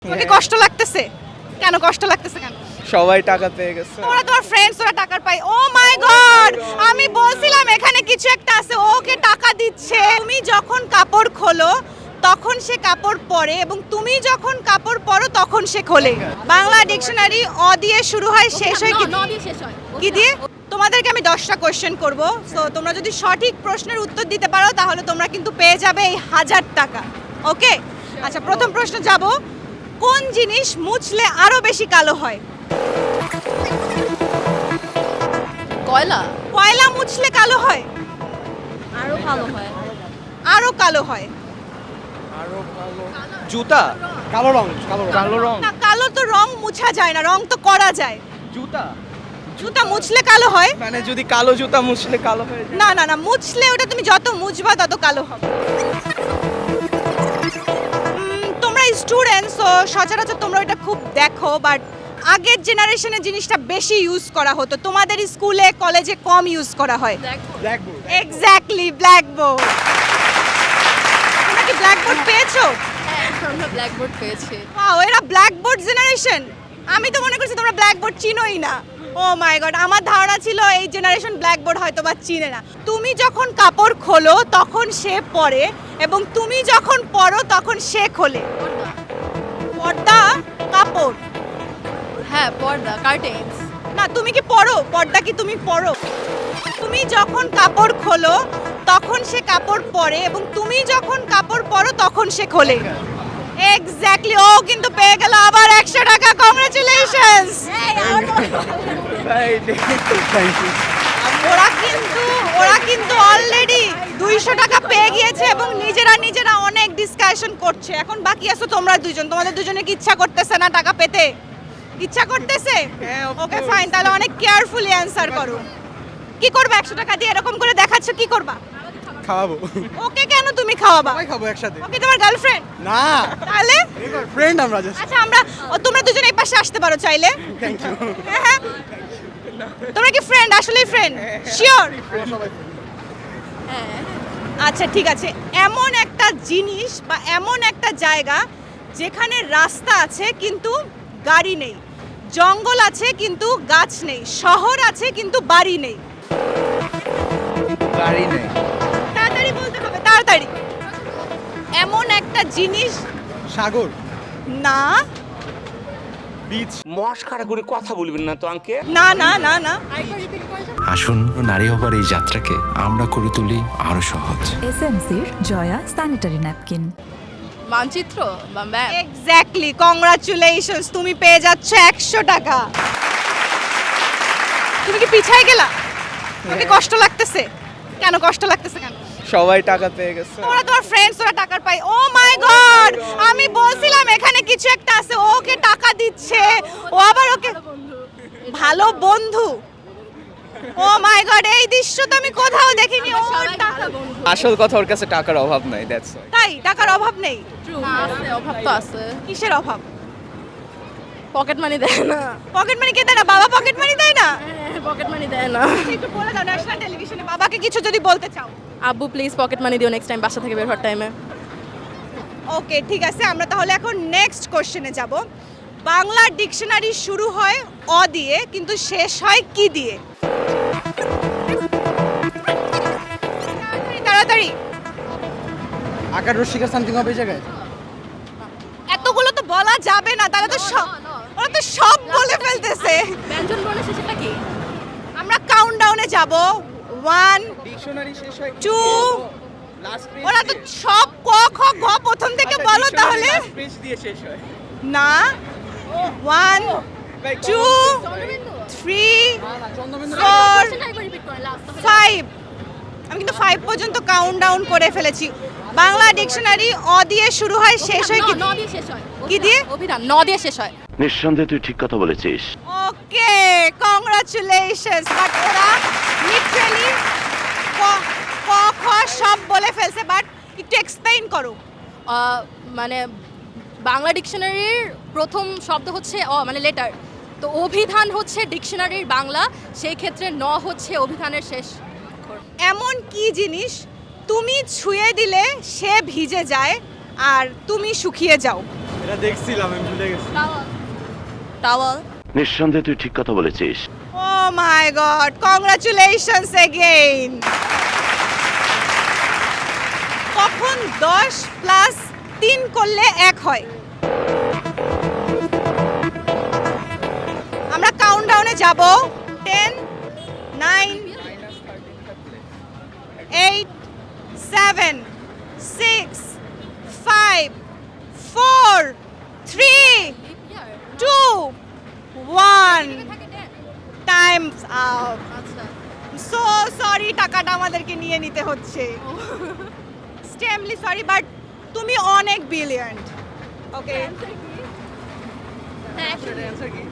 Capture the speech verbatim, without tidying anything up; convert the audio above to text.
তোমাকে কষ্ট লাগতেছে কেন? কষ্ট লাগতেছে কেন? সবাই টাকা পেয়ে গেছে। ওরা তোমার ফ্রেন্ডস, ওরা টাকা পায়। ও মাই গড, আমি বলছিলাম এখানে কিছু একটা আছে, ওকে টাকা দিচ্ছে। তুমি যখন কাপড় খোলো তখন সে কাপড় পরে, এবং তুমি যখন কাপড় পরো তখন সে খোলে। বাংলা ডিকশনারি অ দিয়ে শুরু হয়, শেষ হয় কি কি দিয়ে? তোমাদেরকে আমি দশটা কোশ্চেন করব, সো তোমরা যদি সঠিক প্রশ্নের উত্তর দিতে পারো তাহলে তোমরা কিন্তু পেয়ে যাবে এই হাজার টাকা। ওকে, আচ্ছা, প্রথম প্রশ্ন যাব, কোন জিনিস মুছলে আরো বেশি কালো হয়? কয়লা কয়লা মুছলে কালো হয়? আরো ভালো হয়। আরো কালো হয় আরো ভালো জুতা, কালো রং, কালো রং, কালো রং। না, কালো তো রং মুছা যায় না, রং তো করা যায়। জুতা, জুতা মুছলে কালো হয়? মানে যদি কালো জুতা মুছলে কালো হয়ে যায়। না না না, মুছলে ওটা তুমি যত মুছবা তত কালো হবে। উম, তোমরা স্টুডেন্টস, তো সচরাচর তোমরা এটা খুব দেখো, বাট আগের জেনারেশনে জিনিসটা বেশি ইউজ করা হতো, তোমাদের স্কুলে কলেজে কম ইউজ করা হয়। ব্ল্যাকবোর্ড। Exactly, blackboard. তোমরা কি ব্ল্যাকবোর্ড পেয়েছো? হ্যাঁ, আমরা ব্ল্যাকবোর্ড পেয়েছি। ওয়াও, এরা ব্ল্যাকবোর্ড জেনারেশন। আমি তো মনে করছি তোমরা ব্ল্যাকবোর্ড চিনোই না। ও মাই গড, আমার ধারণা ছিল এই জেনারেশন ব্ল্যাকবোর্ড হয়তো বা চিনে না। তুমি যখন কাপড় খোলো তখন সে পরে, এবং তুমি যখন পরো তখন সে খোলে। পর্দা, কাপড়। হ্যাঁ, পর্দা, কার্টেন্স। না, তুমি কি পরো? পর্দা কি তুমি পরো? তুমি যখন কাপড় খোলো তখন সে কাপড় পরে, এবং তুমি যখন কাপড় পরো তখন সে খোলে। এক্স্যাক্টলি, ও কিন্তু পেয়ে গেল আবার একশো টাকা। কংগ্রাচুলেশনস। Thank you. ওরা কিন্তু ওরা কিন্তু অলরেডি দুইশো টাকা পেয়ে গিয়েছে, এবং নিজেরা নিজেরা অনেক ডিসকাশন করছে। এখন বাকি আছো তোমরা দুজন। তোমাদের দুজনে কি ইচ্ছা করতেছে না টাকা পেতে? ইচ্ছা করতেছে? হ্যাঁ, of ওকে course. ফাইন, তাহলে অনেক কেয়ারফুলি অ্যানসার করো। কি করবা একশো টাকা দিয়ে? এরকম করে দেখাচ্ছ, কি করবা? খাওয়াবো। ওকে কেন তুমি খাওয়াবা? সবাই খাবো একসাথে। ওকে তোমার গার্লফ্রেন্ড? না, তাহলে ফ্রেন্ড আমরা জাস্ট। আচ্ছা, আমরা ও, তোমরা দুজন এই পাশে আসতে পারো চাইলে। Thank you. হ্যাঁ, হ্যাঁ। তোমরা কি ফ্রেন্ড? আসলেই ফ্রেন্ড? শিওর? হ্যাঁ, আচ্ছা, ঠিক আছে। এমন একটা জিনিস বা এমন একটা জায়গা যেখানে রাস্তা আছে কিন্তু গাড়ি নেই, জঙ্গল আছে কিন্তু গাছ নেই, শহর আছে কিন্তু বাড়ি নেই। গাড়ি নেই। তাড়াতাড়ি বলতে হবে, তাড়াতাড়ি। এমন একটা জিনিস। সাগর, না বিচ। মস্কারা করে কথা বলবেন না তো আঙ্কেল। না না না না। আসুন, নারী হবার এই যাত্রাকে আমরা করে তুলি আরো সহজ। এসএমসির জয়া স্যানিটারি ন্যাপকিন। মানচিত্র বা ম্যাপ। এক্স্যাক্টলি, কংগ্রাচুলেশনস, তুমি পেয়ে যাচ্ছ একশো টাকা। তুমি কি পিছায় গেলা? তোমাকে কষ্ট লাগতেছে কেন? কষ্ট লাগতেছে কেন? সবাই টাকা পেয়ে গেছে। ওরা তোমার ফ্রেন্ডস, ওরা টাকা পায়। ও মাই গড, আমি বলছিলাম এখানে কিছু একটা আছে, ওকে টাকা দিচ্ছে। ও আবার ওকে ভালো বন্ধু। ও মাই গড, এই দৃশ্য তো আমি কোথাও দেখিনি। ও টাকা, আসল কথা ওর কাছে টাকার অভাব নাই, দ্যাটস ওয়াই। তাই টাকার অভাব নেই? আছে, অভাব তো আছে। কিসের অভাব? পকেট মানি দেয় না। পকেট মানি কে দেয় না? বাবা পকেট মানি দেয় না? পকেট মানি দেয় না। একটু বলে দাও ন্যাশনাল টেলিভিশনে বাবাকে কিছু যদি বলতে চাও। আব্বু প্লিজ পকেট মানি দিও নেক্সট টাইম বাসা থেকে বের হওয়ার টাইমে। ওকে, ঠিক আছে, আমরা তাহলে এখন নেক্সট কোশ্চেনে যাব। বাংলা ডিকশনারি শুরু হয় অ দিয়ে কিন্তু শেষ হয় কি দিয়ে? তাড়াতাড়ি, তাড়াতাড়ি। আকার রশ্মিকা সামথিং হবে এই জায়গায়। এতগুলো তো বলা যাবে না, তাহলে তো সব ওরা তো সব বলে ফেলতেছে। ব্যঞ্জন বর্ণের শেষেটা কি? আমরা কাউন্টডাউনে যাব। ওয়ান, ডিকশনারি শেষ হয় টু। Last page. ওরা তো সব ক খ গ প্রথম থেকে বলো তাহলে। লাস্ট পেজ দিয়ে শেষ হয়। না, ওয়ান, Like, টু, থ্রি, চন্দ্রবিন্দু। Four, five. আমি কিন্তু ফাইভ পর্যন্ত কাউন্ট ডাউন করে ফেলেছি। বাংলা ডিকশনারি অ দিয়ে শুরু হয়, শেষ হয় কি? ন দিয়ে শেষ হয়। কি দিয়ে? অভিধান ন দিয়ে শেষ হয়। নিঃসন্দেহে তুই ঠিক কথা বলেছিস। Okay, congratulations. বাট ওরা লিটারালি ক ক খ সব বলে ফেলছে, বাট একটু এক্সপ্লেইন করো। আহ, মানে বাংলা ডিকশনারির প্রথম শব্দ হচ্ছে অ, মানে লেটার। তো অভিধান হচ্ছে ডিকশনারির বাংলা, সেই ক্ষেত্রে ন হচ্ছে অভিধানের শেষ অক্ষর। এমন কি জিনিস তুমি ছুঁয়ে দিলে সে ভিজে যায় আর তুমি শুকিয়ে যাও? এটা দেখছিলাম আমি ভুলে গেছি টাওয়াল টাওয়াল নিঃসন্দেহে তুই ঠিক কথা বলেছিস। Oh my God, congratulations again. কখন দশ প্লাস তিন করলে এক হয়? আমরা কাউন্টডাউনে যাব। Ten, nine, eight, seven, six, five, four, three, two, one. Time's out. আচ্ছা সো সরি, টাকাটা আমাদেরকে নিয়ে নিতে হচ্ছে। স্টেমলি সরি, বাট তুমি অনেক ব্রিলিয়ান্ট। ওকে, হ্যাঁ অ্যান্সার কি